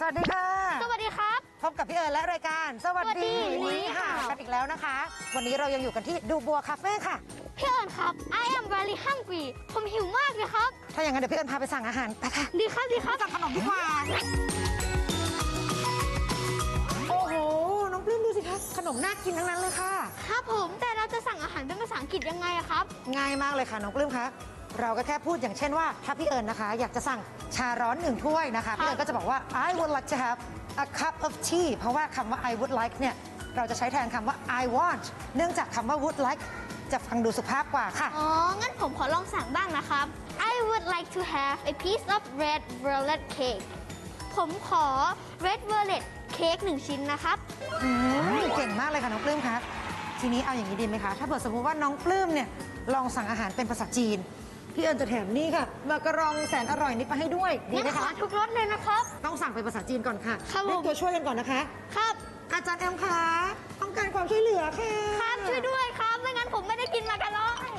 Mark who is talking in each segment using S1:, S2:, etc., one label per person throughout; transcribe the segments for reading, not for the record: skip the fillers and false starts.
S1: วัสดีค่ะ
S2: สวัสดีครับ
S1: พบกับพี่เอิญและรายการสวัสดี
S2: นี่ค่ะ
S1: กันอีกแล้วนะคะวันนี้เรายังอยู่กันที่ดูบัวคาเฟ่ค่ะ
S2: พี่เอิญครับ I am very hungry ผมหิวมากเลยครับ
S1: ถ้าอย่างนั้นเดี๋ยวพี่เอิญพาไปสั่งอาหารไปค่ะ
S2: ดีครับดีครับ
S1: สั่งขนมดีกว่าโอ้โหน้องปลื้มดูสิคะขนมน่ากินทั้งนั้นเลยค่ะ
S2: ครับผมแต่เราจะสั่งอาหารเป็นภาษาอังกฤษยังไงอะครับ
S1: ง่ายมากเลยค่ะน้องปลื้มคะเราก็แค่พูดอย่างเช่นว่าถ้าพี่เอิญนะคะอยากจะสั่งชาร้อน1 ถ้วยนะคะพี่เอิญก็จะบอกว่า I would like to have a cup of tea เพราะว่าคำว่า I would like เนี่ยเราจะใช้แทนคำว่า I want เนื่องจากคำว่า would like จะฟังดูสุภาพกว่าค่ะ
S2: อ๋องั้นผมขอลองสั่งบ้างนะครับ I would like to have a piece of red velvet cake ผมขอ red velvet cake 1 ชิ้นนะครับ
S1: เก่งมากเลยค่ะน้องปลื้มคะทีนี้เอาอย่างนี้ดีไหมคะถ้าเกิดสมมติว่าน้องปลื้มเนี่ยลองสั่งอาหารเป็นภาษาจีนพี่เอิญจะแถมนี่ค่ะมากระรองแสนอร่อยนี้ไปให้ด้วยดีไหมคะ
S2: ทุกรสเลยนะครับ
S1: ต้องสั่งเป็นภาษาจีนก่อนค่ะ
S2: ครับผม
S1: เรียกตัวช่วยกันก่อนนะคะ
S2: ครับ
S1: อาจารย์แอมคะต้องการความช่วยเหลือค่ะ
S2: ครับช่วยด้วยครับไม่งั้นผมไม่ได้กินมากระรอง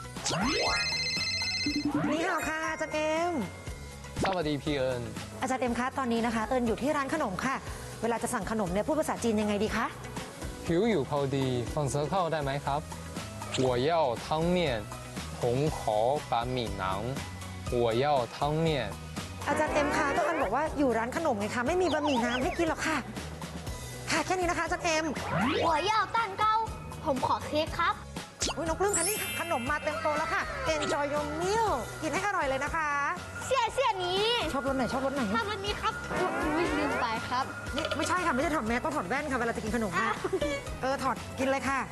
S1: นี่ค่ะค่ะอาจารย์เอ็ม
S3: สวัสดีพี่เอิญ
S1: อาจารย์เอ็มคะตอนนี้นะคะเอิญอยู่ที่ร้านขนมค่ะเวลาจะสั่งขนมเนี่ยพูดภาษาจีนยังไงดีคะ
S3: หิวอยู่พอดีฟังเสียงเข้าได้ไหมครับ我要汤面红口板米囊我要汤面
S1: อาจารย์เอ็มคะก็เอิญบอกว่าอยู่ร้านขนมไงคะไม่มีบะหมี่น้ำให้กินหรอกค่ะค่ะแค่นี้นะคะอาจารย์เอ็ม
S2: หัวเย่าต้านเก้าผมขอเค้กครับ
S1: น้องปลื้มคะนี่ขนมมาเต็มโต๊ะแล้วค่ะ Enjoy your meal กินให้อร่อยเลยนะคะ
S2: เสี่ยนี้
S1: ชอบรสไหนชอบรสไหน
S2: ชอบรสนี้ครับลืมไปครับ
S1: นี่ไม่ใช่ค่ะไม่ใช่ถอดแมสต้องถอดแว่นค่ะเวลาจะกินขนมค่ะถอดกินเลยค่ะ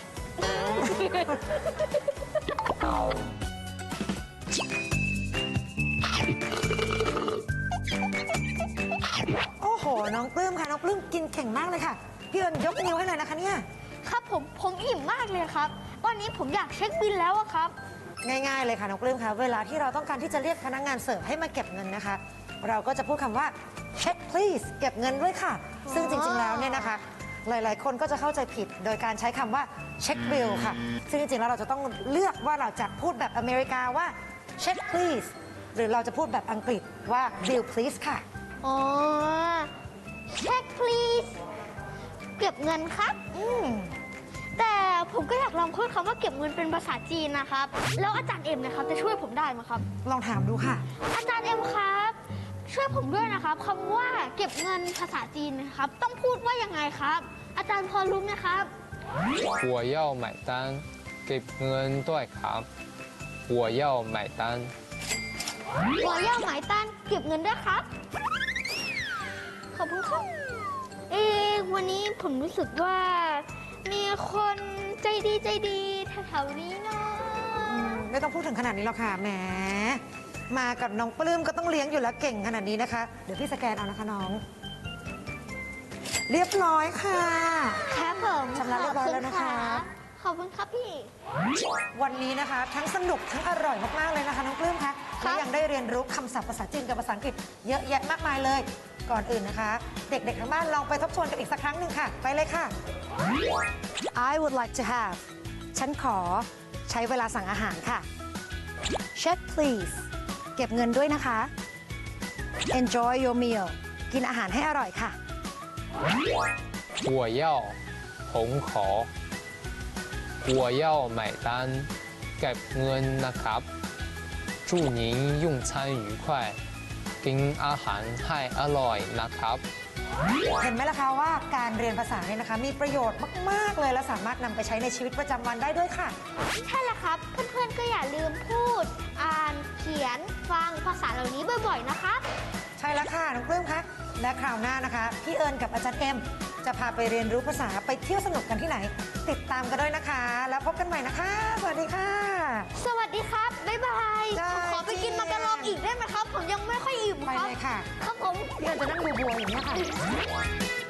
S1: โอ้โหน้องปลื้มค่ะน้องปลื้มกินเก่งมากเลยค่ะพี่เอิญยกนิ้วให้เลยนะคะเนี่ย
S2: ครับผมอิ่มมากเลยครับวันนี้ผมอยากเช็คบิลแล้วครับ
S1: ง่ายๆเลยค่ะน้องปลื้มคะเวลาที่เราต้องการที่จะเรียกพนักงานเสิร์ฟให้มาเก็บเงินนะคะเราก็จะพูดคำว่า check please เก็บเงินด้วยค่ะซึ่งจริงๆแล้วเนี่ยนะคะหลายๆคนก็จะเข้าใจผิดโดยการใช้คำว่า check bill ค่ะซึ่งจริงๆแล้วเราจะต้องเลือกว่าเราจะพูดแบบอเมริกาว่า check please หรือเราจะพูดแบบอังกฤษว่า bill please ค่ะ
S2: อ๋อ check please เก็บเงินครับแต่ผมก็อยากลองพูดคำว่าเก็บเงินเป็นภาษาจีนนะครับแล้วอาจารย์เอ็มนะครับจะช่วยผมได้ไหมครับ
S1: ลองถามดูค่ะ
S2: อาจารย์เอ็มครับช่วยผมด้วยนะครับคำว่าเก็บเงินภาษาจีนนะครับต้องพูดว่ายังไงครับอาจารย์พอรู้ไหมครับ
S3: 我要买单เก็บเงินด้วยครับ我要买单
S2: 我要买单เก็บเงินด้วยครับขอบคุณครับวันนี้ผมรู้สึกว่ามีคนใจดีแถวๆนี้เนาะ
S1: ไม่ต้องพูดถึงขนาดนี้หรอกค่ะแหมมากับน้องปลื้มก็ต้องเลี้ยงอยู่แล้วเก่งขนาดนี้นะคะเดี๋ยวพี่สแกนเอานะคะน้องเรียบร้อยค่ะ
S2: ครับผม
S1: ชำระเรียบร้อยแล้วนะคะ
S2: ขอบคุณครับพี่
S1: วันนี้นะคะทั้งสนุกทั้งอร่อยมากๆเลยนะคะน้องปลื้มคะและยังได้เรียนรู้คำศัพท์ภาษาจีนกับภาษาอังกฤษเยอะแยะมากมายเลยก่อนอื่นนะคะเด็กๆทั้งบ้านลองไปทบทวนกันอีกสักครั้งหนึ่งค่ะไปเลยค่ะ I would like to have ฉันขอใช้เวลาสั่งอาหารค่ะ Check please เก็บเงินด้วยนะคะ Enjoy your meal กินอาหารให้อร่อยค่ะ
S3: 我要红口我要买单เก็บเงินนะครับ祝您用餐愉快กินอาหารให้อร่อยนะครับ
S1: เห็นไหมล่ะคะว่าการเรียนภาษาเนี่ยนะคะมีประโยชน์มากๆเลยและสามารถนำไปใช้ในชีวิตประจำวันได้ด้วยค่ะ
S2: ใช่แล้วครับเพื่อนๆก็อย่าลืมพูดอ่านเขียนฟังภาษาเหล่านี้บ่อยๆนะคะ
S1: ใช่แล้วค่ะน้องปลื้มคะและคราวหน้านะคะพี่เอิญกับอาจารย์เอ็มจะพาไปเรียนรู้ภาษาไปเที่ยวสนุกกันที่ไหนติดตามกันด้วยนะคะแล้วพบกันใหม่นะคะสวัสดีค่ะ
S2: สวัสดีครับบ๊ายบายผมขอไปกินมากระรองอีกได้ไหมครับผมยังไม่ค่อยอิ่มครับ
S1: ไปเลยค่ะ
S2: ครับผม
S1: พี่เอิญจะนั่งดูบัวอย่างนี้ค่ะ